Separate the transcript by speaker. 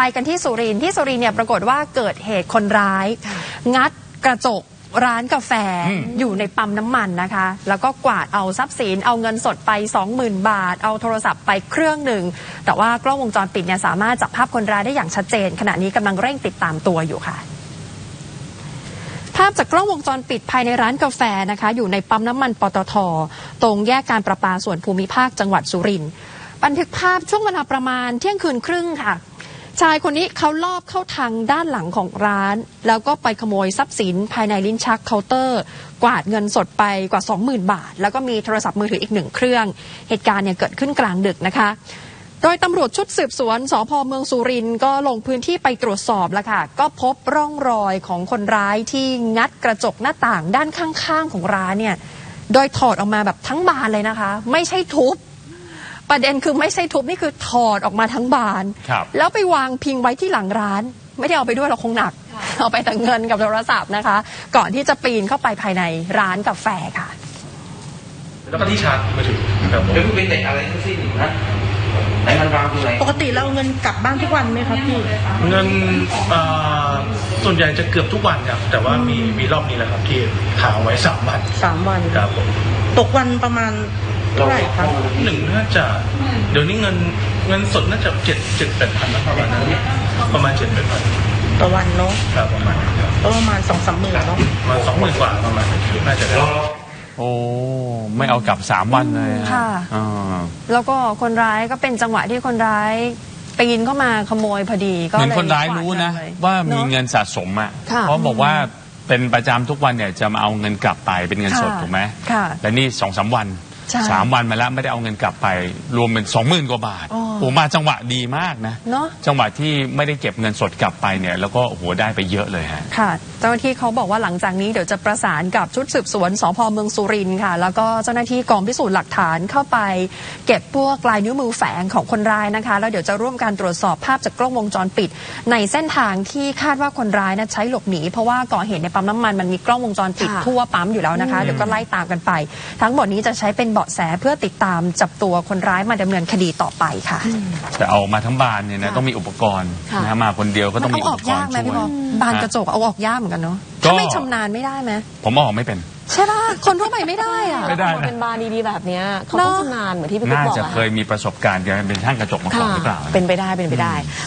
Speaker 1: ไปกันที่สุรินทร์เนี่ยปรากฏว่าเกิดเหตุคนร้ายงัดกระจกร้านกาแฟอยู่ในปั๊มน้ำมันนะคะแล้วก็กวาดเอาทรัพย์สินเอาเงินสดไป 20,000 บาทเอาโทรศัพท์ไปเครื่องหนึ่งแต่ว่ากล้องวงจรปิดเนี่ยสามารถจับภาพคนร้ายได้อย่างชัดเจนขณะนี้กำลังเร่งติดตามตัวอยู่ค่ะภาพจากกล้องวงจรปิดภายในร้านกาแฟนะคะอยู่ในปั๊มน้ำมันปตท.ตรงแยกการประปาส่วนภูมิภาคจังหวัดสุรินทร์บันทึกภาพช่วงเวลาประมาณเที่ยงคืนครึ่งค่ะชายคนนี้เขาลอบเข้าทางด้านหลังของร้านแล้วก็ไปขโมยทรัพย์สินภายในลิ้นชักเคาน์เตอร์กวาดเงินสดไปกว่า 20,000 บาทแล้วก็มีโทรศัพท์มือถืออีก1เครื่องเหตุการณ์เนี่ยเกิดขึ้นกลางดึกนะคะโดยตำรวจชุดสืบสวนสภ.เมืองสุรินทร์ก็ลงพื้นที่ไปตรวจสอบแล้วค่ะก็พบร่องรอยของคนร้ายที่งัดกระจกหน้าต่างด้านข้างๆของร้านเนี่ยโดยถอดออกมาแบบทั้งบานเลยนะคะไม่ใช่ทุบประเด็นคือไม่ใช่ทุบนี่คือถอดออกมาทั้งบานแล้วไปวางพิงไว้ที่หลังร้านไม่ได้เอาไปด้วยเราคงหนักเอาไปแต่เงินกับโทรศัพท์นะคะก่อนที่จะปีนเข้าไปภายในร้านกาแฟค่ะ
Speaker 2: แล้วก็ที่ชาร์จมือถือครับผม
Speaker 3: แล้วคุณเป็นเด็กอะไรทั้งสิ้นนะไหนมันวางตรงไหน
Speaker 4: ปกติเราเอาเงินกลับบ้านทุกวันไหมครับพี่
Speaker 2: เงินส่วนใหญ่จะเกือบทุกวันครับแต่ว่ามีรอบนี้แหละครับที่ค้างไว้3 วัน
Speaker 4: 3 วัน
Speaker 2: ครับผม
Speaker 4: ตกวันประมาณเท่าไหร่ครับ
Speaker 2: น่าจะเดี๋ยวนี้เงินสดน่าจะ7-8 พันนะประมาณนั้นประมาณ7-8 พัน
Speaker 4: ต่อวันเนาะ
Speaker 2: ครับประมาณ
Speaker 4: 2-3 หมื่นเนาะ
Speaker 2: มา20,000 กว่าประมาณน่าจะได้
Speaker 5: โอ้ไม่เอากลับ3 วันเลย
Speaker 1: ค่ะแล้วก็คนร้ายก็เป็นจังหวะที่คนร้ายปีนเข้ามาขโมยพอดีก็
Speaker 5: เหมือนคนร้ายรู้นะว่ามีเงินสะสมอ่ะเพราะบอกว่าเป็นประจำทุกวันเนี่ยจะมาเอาเงินกลับไปเป็นเงินสดถูกไหมแต่นี่2-3 วัน3 วันมาแล้วไม่ได้เอาเงินกลับไปรวมเป็น 20,000 กว่าบาทโอ้มาจังหวะดีมากนะจังหวะที่ไม่ได้เก็บเงินสดกลับไปเนี่ยแล้วก็โอ้โหได้ไปเยอะเลยฮะ
Speaker 1: ค่ะเจ้าหน้าที่เขาบอกว่าหลังจากนี้เดี๋ยวจะประสานกับชุดสืบสวนสภ.เมืองสุรินทร์ค่ะแล้วก็เจ้าหน้าที่กองพิสูจน์หลักฐานเข้าไปเก็บพวกลายนิ้วมือแฝงของคนร้ายนะคะแล้วเดี๋ยวจะร่วมการตรวจสอบภาพจากกล้องวงจรปิดในเส้นทางที่คาดว่าคนร้ายใช้หลบหนีเพราะว่าก่อเหตุในปั๊มน้ำมันมีกล้องวงจรปิดทั่วปั๊มอยู่แล้วนะคะเดี๋ยวก็ไล่ตามกันไปทั้งหมดนี้จะใช้เป็นเบาะแสเพื่อติดตามจับตัวคนร้ายมาดำเนินคดีต่อไปค่ะ
Speaker 5: แต่เอามาทั้งบานเนี่ยนะต้องมีอุปกรณ์นะมาคนเดียวก็ต้องมีอุปกรณ์ช่วย
Speaker 1: บานกระจกเอาออกยากเหมือนกันเนาะถ้าไม่ชำนาญไม่ได้ไหม
Speaker 5: ผมออกไม่เป็น
Speaker 1: ใช่ป่ะคนทั่วไปไม่ได้อะ
Speaker 5: ไม่ได้
Speaker 6: เป็นบานดีๆแบบนี้เขาต้องชำนาญเหมือนที่พี่ปุ๊กบอก
Speaker 5: น่าจะเคยมีประสบการณ์การเป็นช่างกระจกมาก่อนหรือเปล่า
Speaker 6: เป็นไปได้